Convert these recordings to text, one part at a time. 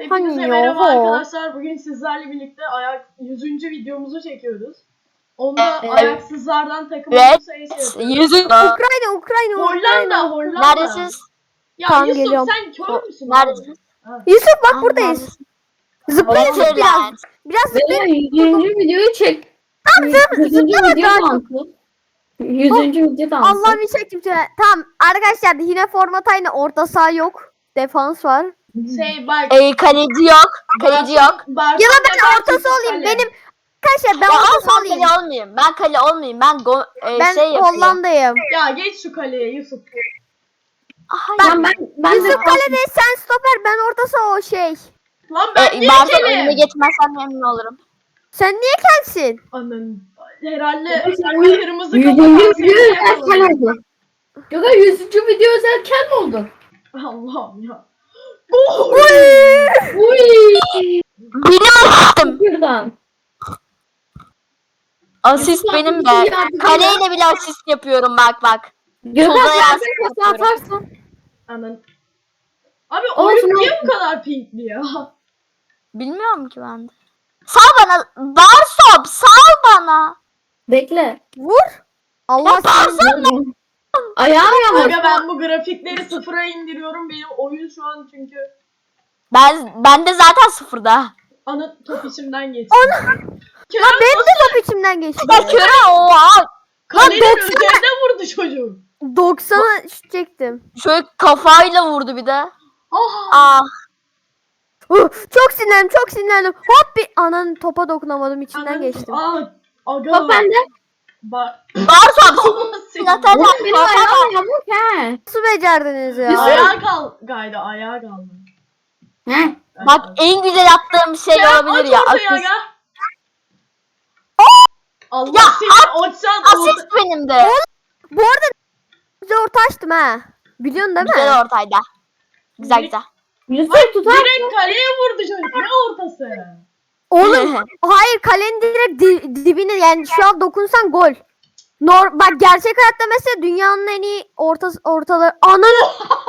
Hepinize merhaba arkadaşlar. Bugün sizlerle birlikte 100. videomuzu çekiyoruz. Onda ayaksızlardan takım olursa yapıyoruz. Ukrayna. Neredesiniz? Ya Tamam, Yusuf geliyorum. sen kör müsün? Neredesiniz? Yusuf bak buradayız. Zıplayın Neredesiniz? biraz. Biraz zıplayın. 100. videoyu çek. Tamam 100. video kalktı. 100. video kalktı. Allah'ım bir çektim şöyle. Tamam arkadaşlar yine format aynı. Orta saha yok. Defans var. Bak. Kaleci yok. Kaleci yok. Ya da ben ortası olayım. Benim arkadaşlar ben ortası Ben olayım. kale olmayayım. Ben kale olmayayım. Ben Ben yapayım. Hollanda'yım. Ya geç şu kaleye Yusuf. Hayır. Ben Yusuf de kalede, sen stoper, ben ortası o şey. Lan ben niye Bazen önüne kelim? geçmezsem memnun olurum. Sen niye kelsin? Anın. Herhalde Yüz- kırmızı 100. kafa video özelken oldu. Yok 100. video özelken mi oldu? Allah'ım ya. Uy. Biliyorum. Buradan. Asist benim de. Kaleyle bile asist yapıyorum bak. Gökhan Solda sen yansıt de pası atarsan. Anın. Abi Olsun, oyun niye olsun. bu kadar pinkli ya? Bilmiyorum ki ben de. Sal bana. Barsop sal bana. Bekle. Vur. Allah seni. Ayağım yavaş. Aga ben bu grafikleri sıfıra indiriyorum. Benim oyun şu an çünkü Ben de zaten sıfırda. ana top içimden geçti. Lan benim de top içimden geçti. Ya köre oha. Kalenin 90'a üzerine vurdu çocuk. 90'a şut çektim. Şöyle kafayla vurdu bir de. Aha. Ah. Çok sinirlendim. Hop bir ananın topa dokunamadım, içinden geçtim. Aga. Top bende. Barsop. Allah seni. Zaten Oğlum benim ayağım yamuk he. Nasıl becerdiniz ya? Ayağa gaydı ayağa kaldı. He. Bak en güzel yaptığım şey olabilir ya. Asist. Asist. Allah Ya, seni açsan Asist benim de. Bu arada bize orta açtım ha. Biliyorsun değil mi? Güzel ortayda. Güzel. Yusuf tutar. direkt kaleye vurdu çocuk. Ne ortası? Oğlum hayır, kalenin direkt dibine, yani şu an dokunsan gol. Bak gerçek hayatta mesela dünyanın en iyi ortaları ananı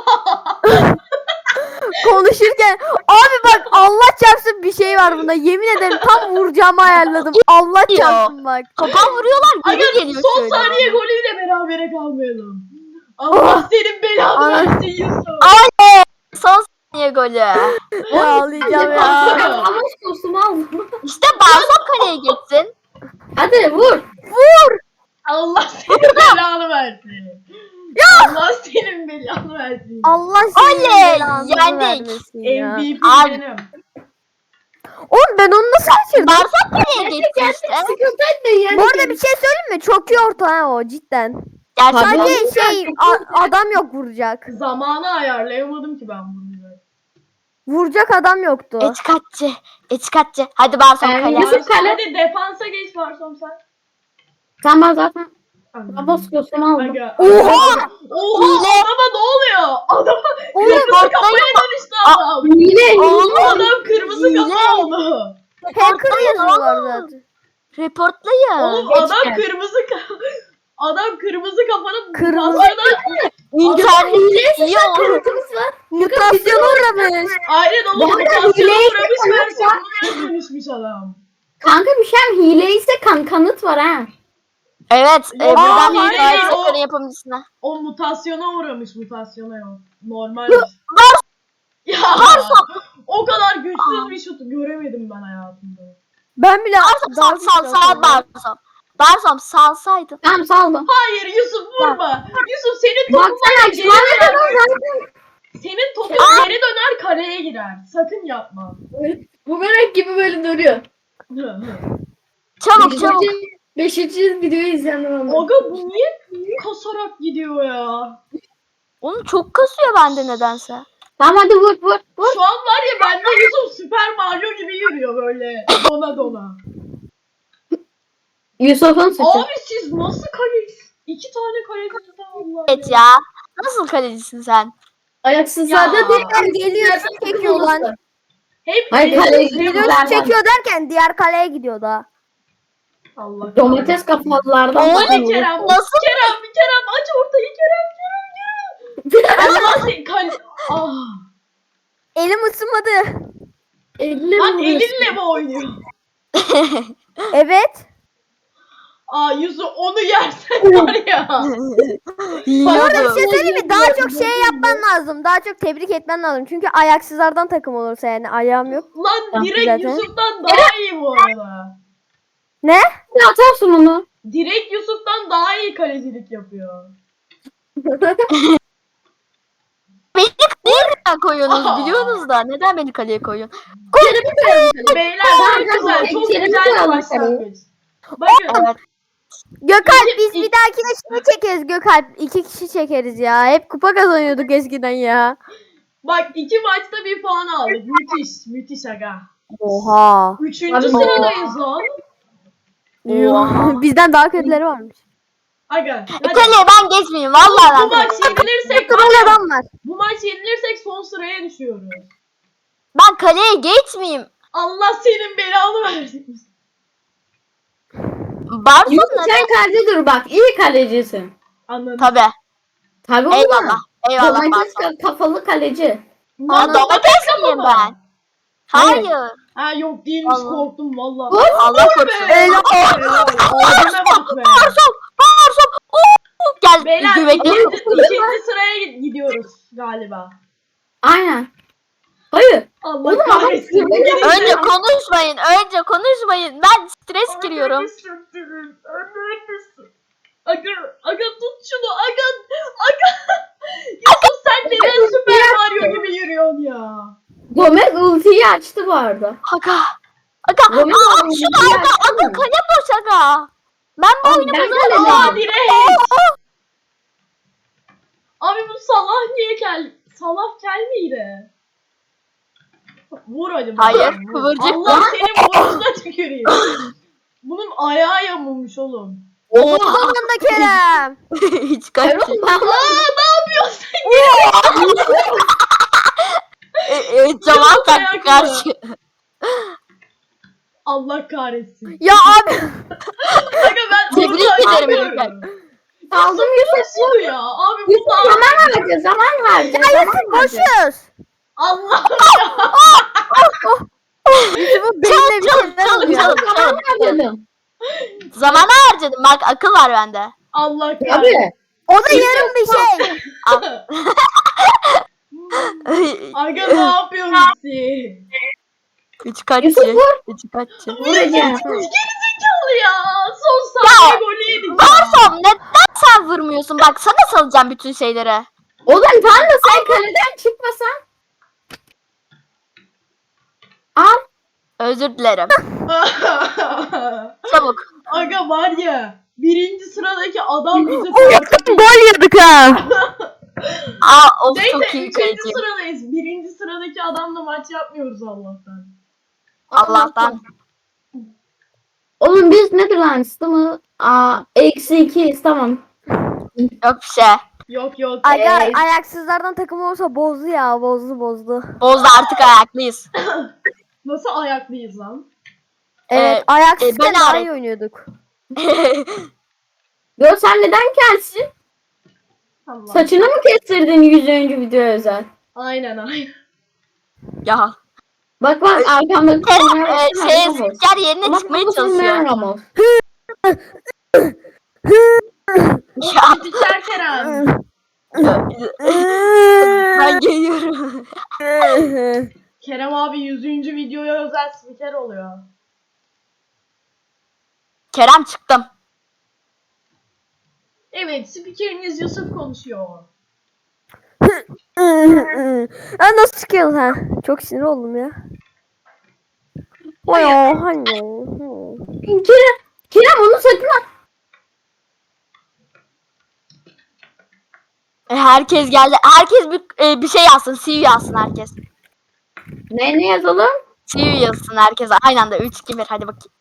konuşurken abi bak Allah çarpsın bir şey var bunda, yemin ederim tam vuracağımı ayarladım. Allah Yo. çarpsın bak. Topa vuruyorlar Aga geri geliyor son şöyle. saniye golüyle berabere kalmayalım. Allah senin belanı versin Yusuf. Oley! Son saniye golü. Ağlayacağım ya. Ama kostümü aldım. İşte Barsop kaleye geçsin. Hadi vur. Allah senin belanı versin. Allah senin belanı versin. Allah senin Oley, belanı yendik. vermesin ya. MVP Abi. benim. Oğlum ben onu nasıl kaçırdım? Barsop kaleye geçti işte. Sıkıntı etme Bu arada bir şey söyleyeyim mi? Çok iyi orta ha o, cidden. Gerçekten. Tabii. Sadece şey adam yok vuracak. Zamanı ayarlayamadım ki ben bunu. Vuracak adam yoktu. Etikatçı. Hadi Barsop kaleye. Yusuf kale. Hadi defansa geç Varsom sen. Sen ben zaten. Anladım. Babas kostümü aldım. Aga. Oha! Oha Hile. adama ne oluyor? Adama Oğlum, kırmızı kafaya dönüştü adam. Hile. Oğlum. Adam kırmızı Hile. kafa oldu. Hacker yazıyorlar zaten. Reportlayın. Oğlum geç adam gel. adam kırmızı kafanın Kırmızı- mutasyona İnternet iyi olur. Kanıtımız var. Mutasyona uğramış. aynen oğlum Bu arada mutasyona hileyi uğramış kanıt var. versiyonuna dönüşmüş adam. Kanka bir şey hile ise kanıt var ha. Evet. Buradan hile değil, Barsop o- kaleye yapımcısına. O mutasyona uğramış, mutasyona yok. Normal. Ya o kadar güçsüz bir şut göremedim ben hayatımda. Ben bile Sal Barsop. Barsop salsaydın. Tamam saldım. Hayır Yusuf vurma. Yusuf senin topun Baksana geri şu an ne döner. kadar zaten. Senin topun geri döner kaleye girer. Sakın yapma. Bu börek gibi böyle duruyor. Çabuk. Beşinci videoyu izleyenler oldu. Aga bu niye kasarak gidiyor ya? Oğlum çok kasıyor bende nedense. Tamam hadi vur. Şu an var ya bende Yusuf Süper Mario gibi yürüyor böyle dona. Yusuf'un suçu. Abi siz nasıl kaleyiz? 2 tane kaleciniz var Allah Evet ya. Nasıl kalecisin sen? Ayaksızlarda Ya. değil. Geliyor, çekiyor lan. Hep Hayır kaleye Videosu gidiyorlar. çekiyor derken diğer kaleye gidiyor da. Allah. Domates kafalılardan. Hadi Kerem. Nasıl? Kerem aç ortayı Kerem. Allah seni Ah. Elim ısınmadı. Elle Lan mi elinle mi oynuyor? Evet. Aa Yusuf onu yersen var ya. Bu arada bir şey Yiyordum. söyleyeyim mi? Daha çok şey yapman lazım. Daha çok tebrik etmen lazım. Çünkü ayaksızlardan takım olursa yani ayağım yok. Lan direkt Zaten. Yusuf'tan daha iyi bu arada. Ne? Ne atarsın onu? Direkt Yusuf'tan daha iyi kalecilik yapıyor. Beni kaleye neden koyuyorsunuz Aa. biliyorsunuz da. Neden beni kaleye koyuyorsun? Kerem'i koyalım. Beyler Tamam, çok güzel, çok Kerem'i güzel bir koyalım başlangıç. Bakın Evet. Gökalp İki- biz bir dahakine şey çekeriz Gökalp. 2 kişi çekeriz ya. Hep kupa kazanıyorduk eskiden ya. bak 2 maçta 1 puan aldık. Müthiş, müthiş aga. Oha. 3. Abi, sıradayız lan. Oha. Bizden daha kötüleri varmış. Aga hadi. Kaleye ben geçmeyeyim. Vallahi Bu ben. maç yenilirsek Kral adam var. bu maç yenilirsek son sıraya düşüyoruz. Ben kaleye geçmeyeyim. Allah senin belanı versin. Barson Yusuf neden? sen kalede dur bak. İyi kalecisin. Anladım. Tabi. Tabii Eyvallah. oğlum. Eyvallah Domates Barson. kafalı kaleci. Aa, domates miyim ben? Hayır. Ha yok değilmiş Allah. korktum valla. Allah korusun. Helal. Abime bak be. Barson. Oo, gel Beyler güvekli. ikinci sıraya gidiyoruz galiba. Aynen. Hayır. Allah Oğlum, kahretsin. adam- Bu gelince- Önce konuşmayın. Önce konuşmayın. Ben stres giriyorum. Annemi söktürün. Annemi Aga tut şunu. Aga. Yusuf sen neden Süper Mario gibi yürüyorsun ya? Gomez ultiyi açtı bu arada. Aga. Aga. Gomez Aa, ultiyi şunu aga. açtı Aga mı? kale boş aga. Ben bu Abi, oyunu ben bozarım. kaledeyim. Aa direkt. Abi bu Salah niye Salah kel miydi? Vur hadi. bana, Hayır, vur. kıvırcık. Allah senin burnuna tüküreyim. Bunun ayağı yamulmuş oğlum. Oha. Sonunda Kerem. Hiç kaç. Erol ben Ne yapıyorsun? Zaman Yusuf taktı ayaklı. karşı. Allah kahretsin. Ya abi. Aga ben Tebrik orada ederim acıyorum. aldım Yusuf. Nasıl ya? Abi bu Yusuf da... zaman harca zaman harca. Zaman harca. Koşuyoruz. Allah Yusuf'un beynine bir Çalın, şeyler çalın, oluyor. çalın. Zaman harcadım. Zamanı harcadım. Bak akıl var bende. Allah kahretsin. Tabii. O da yarım bir şey. Aga ne yapıyorsun siz? Üç kaççı. Yusuf vur. Üç kaççı. Vuracağım. Gerizekalı ya. Son saniye golü yedik ya. Barson neden sen vurmuyorsun? Bak sana salacağım bütün şeyleri. Oğlum tam da sen kaleden çıkmasan. Al. Özür dilerim. Çabuk. Aga var ya. 1. sıradaki adam bizi Gol yedik ha. Aa of çok Neyse iyi 3. kaleci. sıradayız. 1. sıradaki adamla maç yapmıyoruz Allah'tan. Allah'tan. Oğlum biz Netherlands değil mi? Aa, -2'yiz tamam. Yok bir şey. Yok yok. Aga ayaksızlardan takım olursa bozdu ya. Bozdu. Bozdu artık ayaklıyız. Nasıl ayaklıyız lan? Evet ben ayaksızken daha hariç. iyi oynuyorduk. Yo sen neden kelsin? Allah. Saçını mı kestirdin 100. video özel? Aynen. Ya. Bak arkamdaki Kerem spiker yerine çıkmaya çalışıyor. Ramos. Ya. Biter Kerem. Ben geliyorum. Kerem abi 100. videoya özel spiker oluyor. Kerem çıktım. Evet spikeriniz Yusuf konuşuyor. Ha nasıl çıkıyor ha? Çok sinir oldum ya. Oy hani. Kerem onu sakın at. Herkes geldi. Herkes bir şey yazsın. See you yazsın herkes. Ne yazalım? See you yazsın herkes. Aynı anda 3 2 1 hadi bakayım.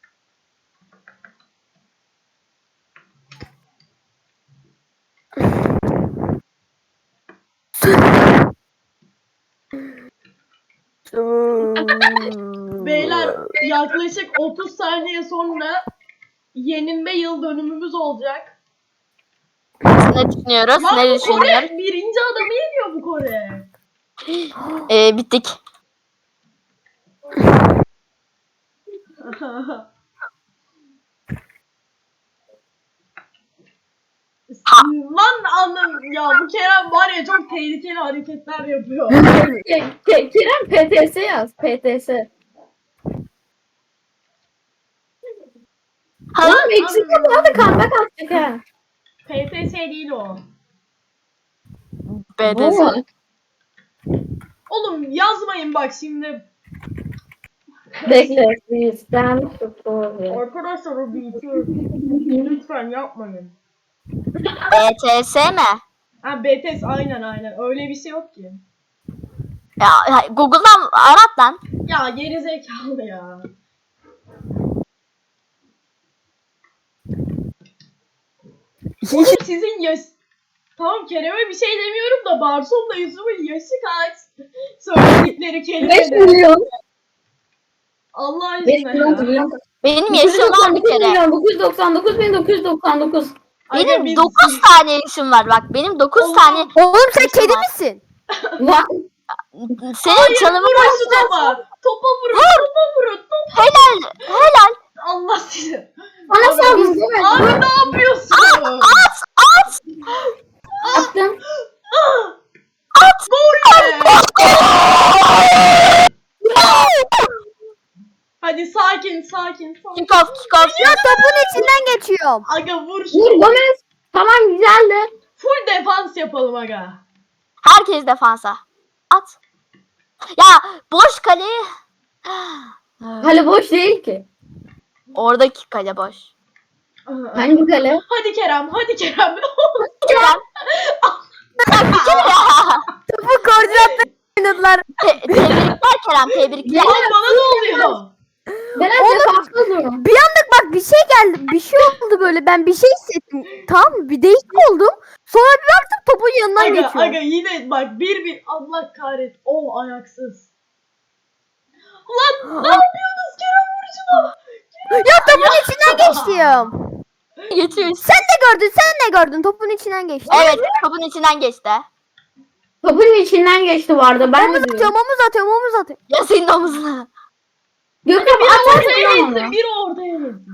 Beyler yaklaşık 30 saniye sonra yenilme yıl dönümümüz olacak. Ne düşünüyoruz? Lan Ne bu düşünüyoruz? Kore 1. adamı yeniyor bu Kore. Bittik. Lan anlam ya bu Kerem var ya çok tehlikeli hareketler yapıyor. Kerem PTS yaz. PTS. Oğlum eksik yapma da comeback atacak ha. PTS değil o. BDS. Oğlum yazmayın bak şimdi. Bekle. Bizden tutuyor. Arkadaşlar o bitiyor. Lütfen yapmayın. BTS mi? Ha BTS aynen öyle bir şey yok ki. Ya Google'dan arat lan. Ya geri zekalı ya. Oğlum sizin yaş... Tamam Kerem'e bir şey demiyorum da Barsom'la Yusuf'un yaşı kaç? Söyledikleri 5 kelimeler. milyon. Allah 5 aşkına milyon ya. milyon. Benim yaşım var bir kere. 999.999. Aga Benim biz- 9 tane yaşım var bak. Benim 9 Oğlum. tane. Oğlum sen Yaşım kedi var. misin? Vay. Senin çalımı Vurun şu topa. Topa vurun. Topa vurun. Top. helal. Helal. Allah sizi. Bana Abi, saldın değil mi? Abi ne yapıyorsun? At. Attım. Gol be. Hadi sakin. Kick off. Ya topun içinden geçiyorum. Aga vur Vur şunu. Gomez. Tamam güzeldi. Full defans yapalım aga. Herkes defansa. At. Ya boş kaleyi. Kale boş değil ki. Oradaki kale boş. Hangi kale? Hadi Kerem. Kerem. Topu koordinatla oynadılar. Tebrikler Kerem. Tebrikler. Oğlum bana ne oluyor? Ben Oğlum. defansta duruyorum. Bir anlık bak bir şey geldi. Bir şey oldu böyle. Ben bir şey hissettim. Tamam mı? Bir değişik oldum. Sonra bir baktım topun yanından Aga geçiyor. yine bak bir Allah kahret. O ayaksız. Lan ne yapıyorsunuz Kerem vur şunu. Ya topun içinden geçtim. Geçiyor. Sen de gördün. Topun içinden geçti. Evet topun içinden geçti. Topun içinden geçti vardı. Ben Omuz de diyorum. atıyorum. Omuz atıyorum. Ya senin omuzuna. Gökhan Bir atarsın ortaya lan geçsin. onu. Bir ortaya geçsin.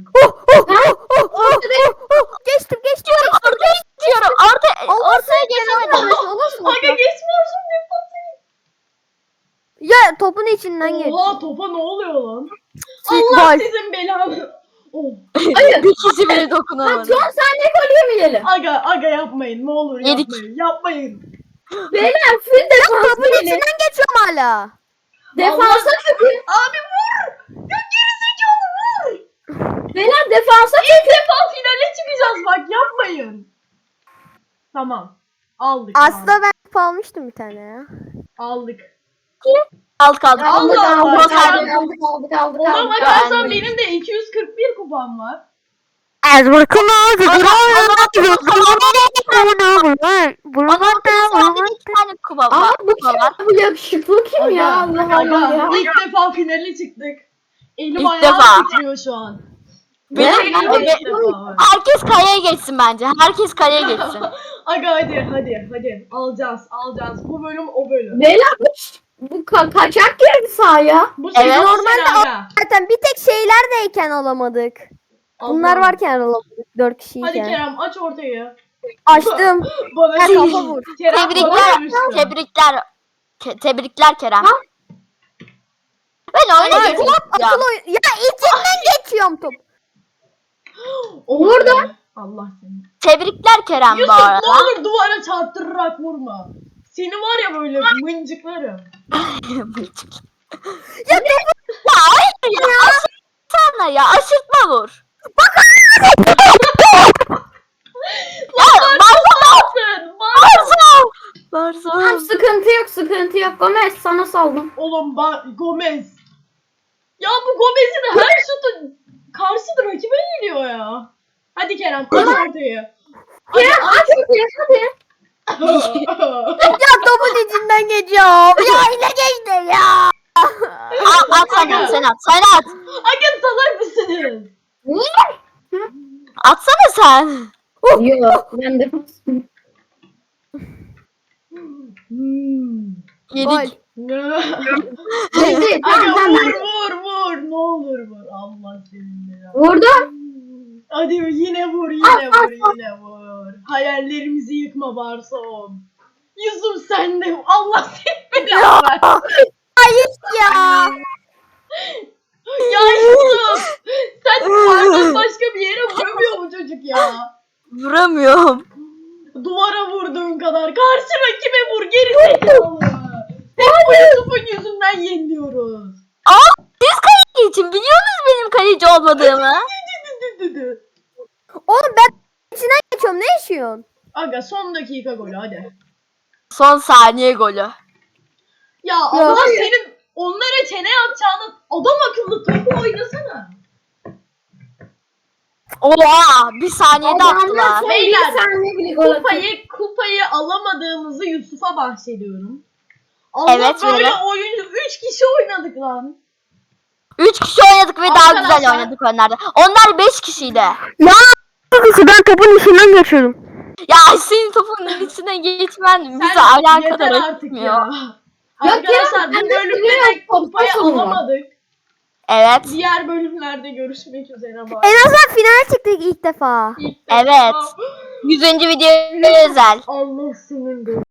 Geçtim. Ortaya geçiyorum. Ortaya geçemedim. Aga geçmiyorsun defansa. Ya topun içinden geçti. Oha topa ne oluyor lan? Gol. Allah sizin belanı. Oh. Hayır. Bir kişi bile Ha, dokunamadı. son saniye gol yemeyelim. Aga yapmayın ne olur Yedik. yapmayın. Beyler full defansa Topun gelin. içinden geçiyorum hala. Defansa çökün. Abi vur. Ya gerizekalı vur. Beyler defansa İlk defa finale çıkacağız bak yapmayın. Tamam. Aldık. Aslında ben top almıştım bir tane ya. aldık. Alt kaldı. Allah Allah. Aldık. Ona bakarsan benim de 241 kupam var. Son bir iki tane kuba Aa var. bu kim? Bu yakışıklı kim ya? Allah Allah ya. İlk defa finale çıktık. Elim İlk ayağım defa. titriyor şu an. Benim Benim de ilk defa var. herkes kaleye geçsin bence. Herkes kaleye geçsin. Aga hadi. Alacağız. Bu bölüm o bölüm. Beyler bu kaçak girdi sahaya. Bu Evet. sezon Normalde sen aga. Zaten bir tek şeylerdeyken alamadık. Bunlar Allah. varken alamadık. 4 Hadi kişiyken. Kerem aç ortayı. Açtım. Bana Ben şey- kafa vur. Kerem bana Tebrikler. demişti. Tebrikler Kerem. Ha? Ben oyuna geçeceğim. Akıl oyun. Ya içinden geçiyorum top. Oh Vurdu. be. Allah seni. Tebrikler Kerem bu Yusuf ne arada. olur duvara çarptırarak vurma. Seni var ya böyle mıncıklarım. Ya hayır ya. Aşırtma ya. Aşırtma vur. Ya Varsın. Varsın. Tamam sıkıntı yok. Gomez sana saldım. Oğlum Gomez. Ya bu Gomez'in her şutu karşıda rakibe geliyor ya. Hadi Kerem aç ortayı. Kerem aç hadi. Ya topun içinden geçiyorum. Ya yine geçti ya. At sen at. Sen at. Aga salak mısınız? Atsana sen. Yok ben de. Yedik. Gol. Aga Tamam. vur ne olur vur. Allah senin ya. Vurdum. Hadi yine vur yine vur. Hayallerimizi yıkma Barsom. Yusuf sen de Allah seni belanı versin. Hayır ya. Ya Yusuf sen duvardan başka bir yere vuramıyor mu çocuk ya? Vuramıyorum. Duvara vurduğun kadar karşı rakibe vur geri zekalı. Hep bu Yusuf'un yüzünden yeniliyoruz. Siz kaleci için biliyorsunuz benim kaleci olmadığımı. Oğlum ben içinden geçiyorum. Ne yaşıyorsun? Aga son dakika golü hadi. Son saniye golü. Ya Allah senin onlara çene atacağını adam akıllı topu oynasana. Oha bir saniyede attılar. Beyler, Bir saniye bile gol atıyor. Kupayı alamadığımızı Yusuf'a bahsediyorum. Allah Evet, böyle öyle. oyuncu 3 kişi oynadık lan. 3 kişi oynadık ve daha Arkadaşlar- güzel oynadık onlarda. Onlar 5 kişiydi. Ben topun içinden geçiyordum. Ya senin topun içine geçmen bize alakadar yeter artık etmiyor. ya. Ya Arkadaşlar Kerem, bu ben de bölümde de biliyorum, kupayı sonra. alamadık. Evet. Diğer bölümlerde görüşmek üzere. Bye. En azından finale çıktık ilk defa. İlk Evet. defa- 100. video özel. Allah senin